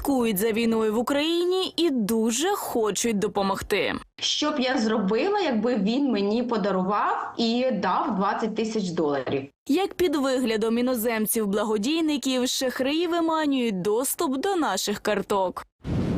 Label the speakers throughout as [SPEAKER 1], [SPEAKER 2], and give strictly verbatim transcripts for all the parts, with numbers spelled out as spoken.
[SPEAKER 1] слідкують за війною в Україні і дуже хочуть допомогти.
[SPEAKER 2] Що б я зробила, якби він мені подарував і дав двадцять тисяч доларів?
[SPEAKER 1] Як під виглядом іноземців-благодійників шахраї виманюють доступ до наших карток.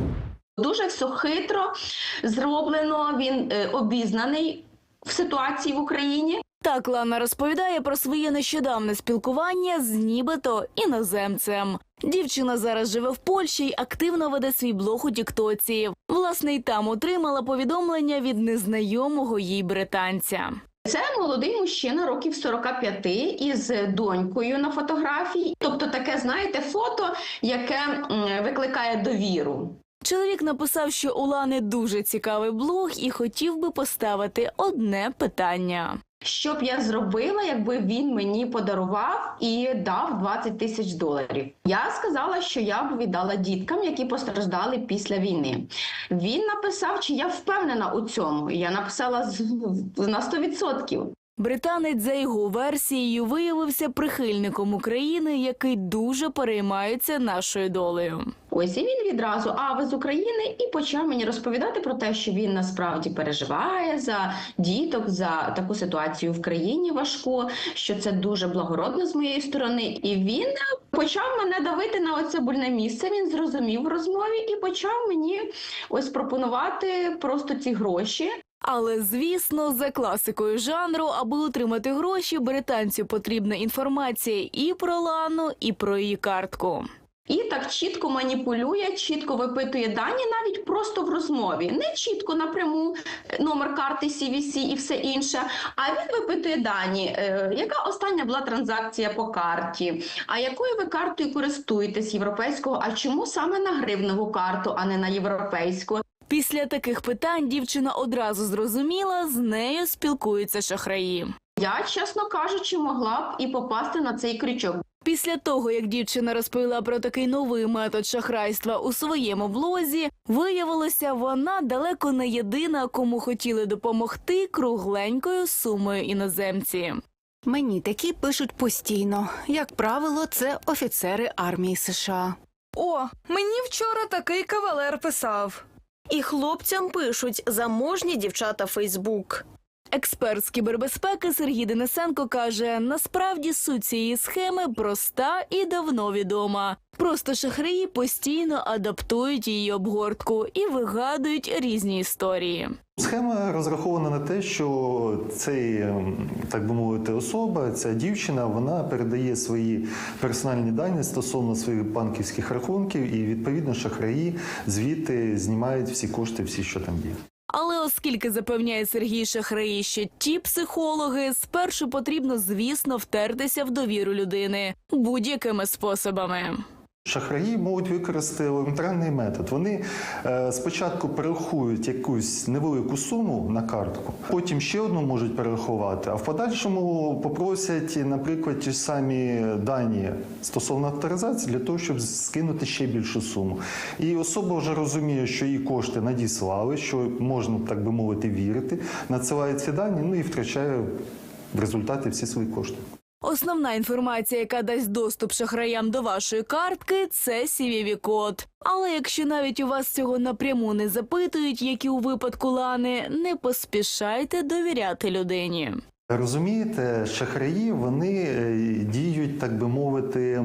[SPEAKER 2] Дуже все хитро зроблено, він е, обізнаний в ситуації в Україні.
[SPEAKER 1] Так Лана розповідає про своє нещодавне спілкування з нібито іноземцем. Дівчина зараз живе в Польщі й активно веде свій блог у тіктоці. Власне, й там отримала повідомлення від незнайомого їй британця.
[SPEAKER 2] Це молодий мужчина, років сорока п'яти, із донькою на фотографії. Тобто таке, знаєте, фото, яке м, викликає довіру.
[SPEAKER 1] Чоловік написав, що у Лани дуже цікавий блог і хотів би поставити одне питання.
[SPEAKER 2] Що б я зробила, якби він мені подарував і дав двадцять тисяч доларів? Я сказала, що я б віддала діткам, які постраждали після війни. Він написав, чи я впевнена у цьому. Я написала на сто відсотків.
[SPEAKER 1] Британець, за його версією, виявився прихильником України, який дуже переймається нашою долею.
[SPEAKER 2] Ось і він відразу, а ви з України, і почав мені розповідати про те, що він насправді переживає за діток, за таку ситуацію в країні важку, що це дуже благородно з моєї сторони. І він почав мене давити на оце больне місце, він зрозумів в розмові і почав мені ось пропонувати просто ці гроші.
[SPEAKER 1] Але, звісно, за класикою жанру, аби отримати гроші, британцю потрібна інформація і про Лану, і про її картку.
[SPEAKER 2] І так чітко маніпулює, чітко випитує дані навіть просто в розмові. Не чітко напряму номер карти сі ві сі і все інше, а він випитує дані, е, яка остання була транзакція по карті, а якою ви картою користуєтесь європейського, а чому саме на гривневу карту, а не на європейську.
[SPEAKER 1] Після таких питань дівчина одразу зрозуміла, з нею спілкуються шахраї.
[SPEAKER 2] Я, чесно кажучи, могла б і попасти на цей крючок.
[SPEAKER 1] Після того, як дівчина розповіла про такий новий метод шахрайства у своєму блозі, виявилося, вона далеко не єдина, кому хотіли допомогти кругленькою сумою іноземці.
[SPEAKER 3] Мені такі пишуть постійно. Як правило, це офіцери армії США.
[SPEAKER 4] О, мені вчора такий кавалер писав.
[SPEAKER 5] І хлопцям пишуть заможні дівчата Фейсбук.
[SPEAKER 1] Експерт з кібербезпеки Сергій Денисенко каже, насправді суть цієї схеми проста і давно відома. Просто шахраї постійно адаптують її обгортку і вигадують різні історії.
[SPEAKER 6] Схема розрахована на те, що цей, так би мовити, особа, ця дівчина, вона передає свої персональні дані стосовно своїх банківських рахунків і, відповідно, шахраї звідти знімають всі кошти, всі, що там є.
[SPEAKER 1] Але оскільки, запевняє Сергій, шахраї ще ті психологи, спершу потрібно, звісно, втертися в довіру людини будь-якими способами.
[SPEAKER 6] Шахраї можуть використати елементарний метод. Вони е, спочатку перерахують якусь невелику суму на картку, потім ще одну можуть перерахувати, а в подальшому попросять, наприклад, ті ж самі дані стосовно авторизації для того, щоб скинути ще більшу суму. І особа вже розуміє, що її кошти надіслали, що можна, так би мовити, вірити, надсилає ці дані, ну і втрачає в результаті всі свої кошти.
[SPEAKER 1] Основна інформація, яка дасть доступ шахраям до вашої картки – це сі ві ві-код. Але якщо навіть у вас цього напряму не запитують, як і у випадку Лани, не поспішайте довіряти людині.
[SPEAKER 6] Розумієте, шахраї, вони діють, так би мовити,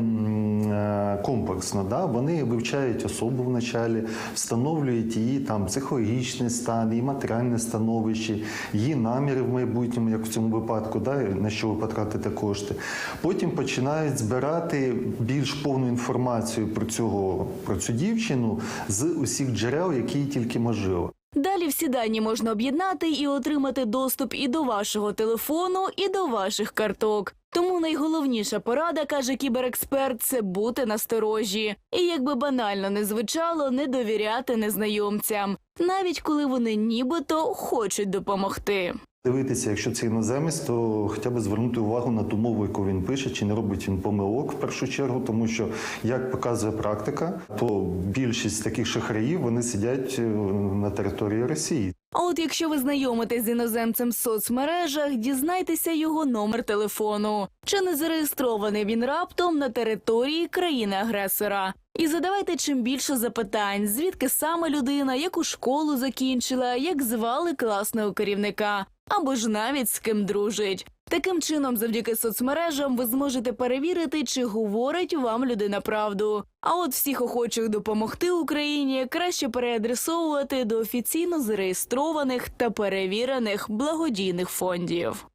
[SPEAKER 6] комплексно. Да? Вони вивчають особу вначалі, встановлюють її там психологічний стан, її матеріальне становище, її наміри в майбутньому, як в цьому випадку, да? На що ви потратите кошти. Потім починають збирати більш повну інформацію про, цього, про цю дівчину з усіх джерел, які тільки можливо.
[SPEAKER 1] Далі всі дані можна об'єднати і отримати доступ і до вашого телефону, і до ваших карток. Тому найголовніша порада, каже кіберексперт, це бути насторожі. І якби банально не звучало, не довіряти незнайомцям, навіть коли вони нібито хочуть допомогти.
[SPEAKER 6] Дивитися, якщо це іноземець, то хоча б звернути увагу на ту мову, яку він пише, чи не робить він помилок в першу чергу, тому що, як показує практика, то більшість таких шахраїв, вони сидять на території Росії.
[SPEAKER 1] А от якщо ви знайомитесь з іноземцем в соцмережах, дізнайтеся його номер телефону. Чи не зареєстрований він раптом на території країни-агресора? І задавайте чим більше запитань, звідки саме людина, яку школу закінчила, як звали класного керівника, або ж навіть з ким дружить. Таким чином, завдяки соцмережам ви зможете перевірити, чи говорить вам людина правду. А от всіх охочих допомогти Україні краще переадресовувати до офіційно зареєстрованих та перевірених благодійних фондів.